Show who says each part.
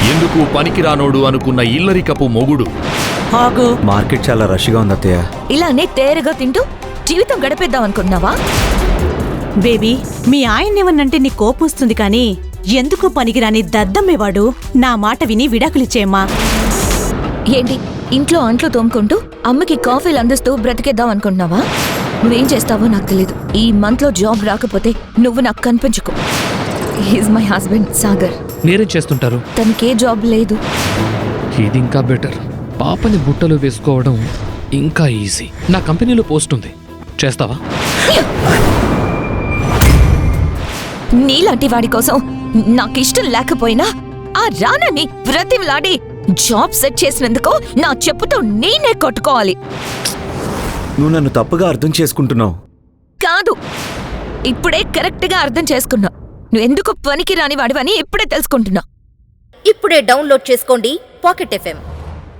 Speaker 1: ఎందుకు పనికిరానోడు అనుకున్న ఇల్లరికపు మొగుడు.
Speaker 2: ఆగు.
Speaker 3: మార్కెట్ చాలా రష్గా ఉంది అత్తయ్య.
Speaker 4: ఇలానే తేరగా తింటూ జీవితం గడిపేద్దాం అనుకుంటున్నావా?
Speaker 2: బేబీ, మీ ఆయన్నేమన్నంటే నీ కోపం వస్తుంది కానీ ఎందుకు పనికిరాని దద్దమ్మేవాడు. నా మాట విని విడాకులిచ్చేయమ్మా.
Speaker 4: ఏంటి ఇంట్లో అంట్లు తోముకుంటూ అమ్మకి కాఫీలు అందిస్తూ బ్రతికేద్దాం అనుకుంటున్నావా? నువ్వేం చేస్తావో నాకు తెలీదు. ఈ మంత్ లో జాబ్ రాకపోతే నువ్వు నాకు కనిపించుకో. He's my husband Sagar.
Speaker 5: మీరేం చేస్తుంటారు?
Speaker 4: తనకే జాబ్ లేదు.
Speaker 5: ఇది ఇంకా బెటర్. పాపని బుట్టలో వేసుకోవడం ఇంకా ఈజీ. నా కంపెనీలో పోస్ట్ ఉంది, చేస్తావా?
Speaker 4: నీలాంటి వాడి కోసం నాకిష్టం లేకపోయినా ఆ రానని బ్రతిమలాడి జాబ్ సెట్ చేసినందుకు నా చెప్పుతో నేనే కొట్టుకోవాలి.
Speaker 3: నువ్వు నన్ను తప్పుగా అర్థం చేసుకుంటున్నావు.
Speaker 4: కాదు, ఇప్పుడే కరెక్ట్ గా అర్థం చేసుకున్నా. నువ్వెందుకు పనికి రాని వాడివని ఇప్పుడే తెలుసుకుంటున్నా.
Speaker 6: ఇప్పుడే డౌన్లోడ్ చేసుకోండి పాకెట్ FM.